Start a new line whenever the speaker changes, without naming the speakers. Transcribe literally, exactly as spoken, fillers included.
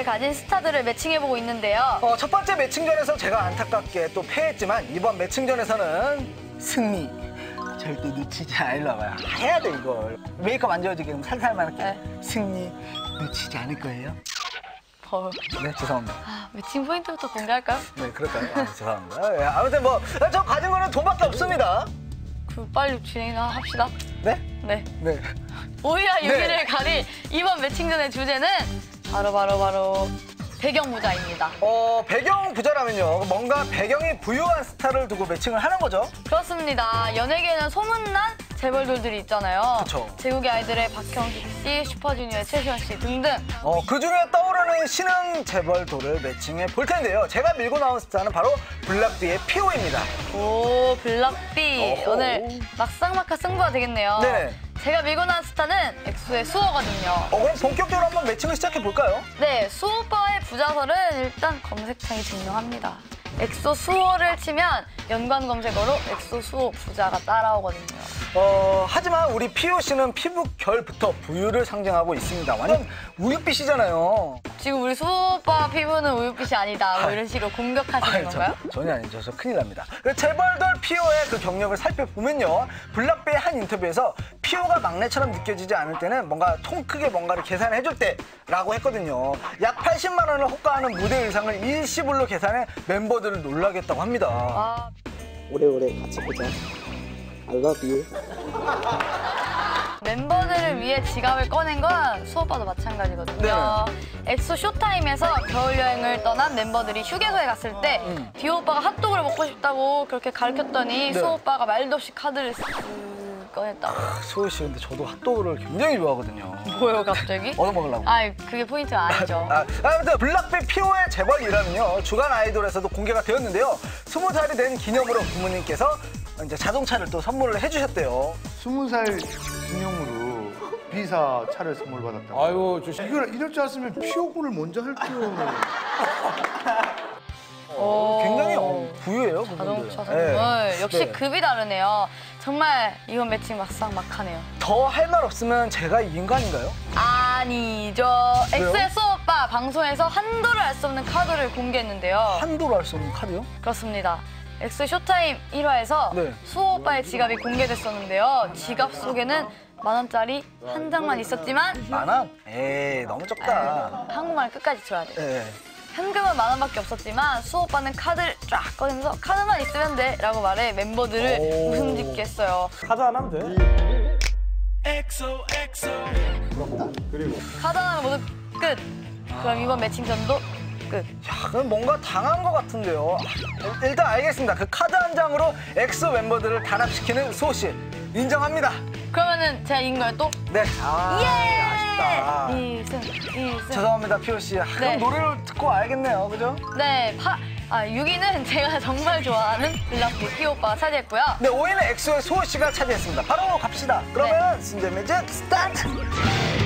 가진 스타들을 매칭해보고 있는데요.
어, 첫 번째 매칭전에서 제가 안타깝게 또 패했지만 이번 매칭전에서는 승리 절대 놓치지 않으려 봐요. 해야 돼 이걸. 메이크업 안 지워지게 살살만 할게.
네.
승리 놓치지 않을 거예요.
어.
네, 죄송합니다.
아, 매칭 포인트부터 공개할까요?
네, 그럴까요? 아, 죄송합니다. 예, 아무튼 뭐 저 가진 거는 돈밖에 없습니다.
그 빨리 진행이나 합시다.
네?
네.
네.
오이와 유기를
네.
가릴 이번 매칭전의 주제는 바로 바로 바로 배경 부자입니다.
어, 배경 부자라면요. 뭔가 배경이 부유한 스타를 두고 매칭을 하는 거죠.
그렇습니다. 연예계에는 소문난 재벌돌들이 있잖아요.
그쵸.
제국의 아이들의 박형식 씨, 슈퍼주니어의 최시원 씨 등등.
어, 그중에 떠오르는 신흥 재벌돌을 매칭해 볼 텐데요. 제가 밀고 나온 스타는 바로 블락비의 피오입니다.
오, 블락비.
어허.
오늘 막상막하 승부가 되겠네요.
네.
제가 밀고 나온 스타는 엑소의 수호거든요.
어, 그럼 본격적으로 한번 매칭을 시작해 볼까요?
네, 수호 오빠의 부자설은 일단 검색창이 증명합니다. 엑소 수호를 치면 연관 검색어로 엑소 수호 부자가 따라오거든요.
어, 하지만 우리 피오 씨는 피부 결부터 부유를 상징하고 있습니다. 완전 우윳빛이잖아요.
지금 우리 수호 오빠 피부는 우윳빛이 아니다. 뭐 이런 식으로 공격하시는
아니,
건가요?
저, 전혀 아니죠. 저 큰일 납니다. 그 재벌돌 피오의 그 경력을 살펴보면요. 블락비의 한 인터뷰에서 피오가 막내처럼 느껴지지 않을 때는 뭔가 통 크게 뭔가를 계산해줄 때라고 했거든요. 약 팔십만 원을 호가하는 무대 의상을 일시불로 계산해 멤버들을 놀라겠다고 합니다.
아,
오래오래 같이 보자. I love you.
멤버들을 위해 지갑을 꺼낸 건 수호 오빠도 마찬가지거든요. 엑소 쇼타임에서 겨울여행을 떠난 멤버들이 휴게소에 갔을 때
음.
디오 오빠가 핫도그를 먹고 싶다고 그렇게 가르쳤더니
네.
수호 오빠가 말도 없이 카드를 쓱 꺼냈다고.
소희 씨, 근데 저도 핫도그를 굉장히 좋아하거든요.
뭐요, 갑자기?
얻어 먹으려고.
아, 그게 포인트가 아니죠.
아, 아무튼 블락비 피오의 재벌이라면요. 주간 아이돌에서도 공개가 되었는데요. 스무 살이 된 기념으로 부모님께서 이제 자동차를 또 선물을 해주셨대요.
스무 살 기념으로 비사 차를 선물 받았다고.
아이고 조심.
이걸 이럴 줄 알았으면 피오군을 먼저 할게요.
오.
굉장히 어, 부유해요, 그분들.
자동차 선물.
네.
역시
네.
급이 다르네요. 정말 이번 매칭 막상 막하네요.
더 할 말 없으면 제가 이긴 거 아닌가요?
아니죠.
왜요?
엑소의 수호 오빠 방송에서 한도를 알 수 없는 카드를 공개했는데요.
한도로 할 수 없는 카드요?
그렇습니다. 엑소 쇼타임 일 화에서
네.
수호 오빠의 지갑이 공개됐었는데요. 지갑 속에는 만 원짜리 한 장만 있었지만
만 원? 에이, 너무 적다.
한국말 끝까지 들어야 돼요.
네.
현금은 만 원밖에 없었지만 수호 오빠는 카드를 쫙 꺼내면서 카드만 있으면 돼 라고 말해 멤버들을
오.
웃음 짓게 했어요.
카드 안 하면 돼.
카드 하나 모두 끝. 그럼 이번 매칭전도 끝.
야, 그럼 뭔가 당한 것 같은데요. 일- 일단 알겠습니다. 그 카드 한 장으로 엑소 멤버들을 단합시키는 수호 씨. 인정합니다.
그러면은 제가 이긴 거예요 또?
네. 아, 아쉽다.
예! 이승, 이승.
죄송합니다, 피오 씨. 아,
네.
그럼 노래를 듣고 알겠네요, 그죠?
네, 파, 아, 육 위는 제가 정말 좋아하는 블락비 피 오빠가 차지했고요.
네, 오 위는 엑소의 수호 씨가 차지했습니다. 바로 갑시다. 그러면
네.
순대 매직 스타트!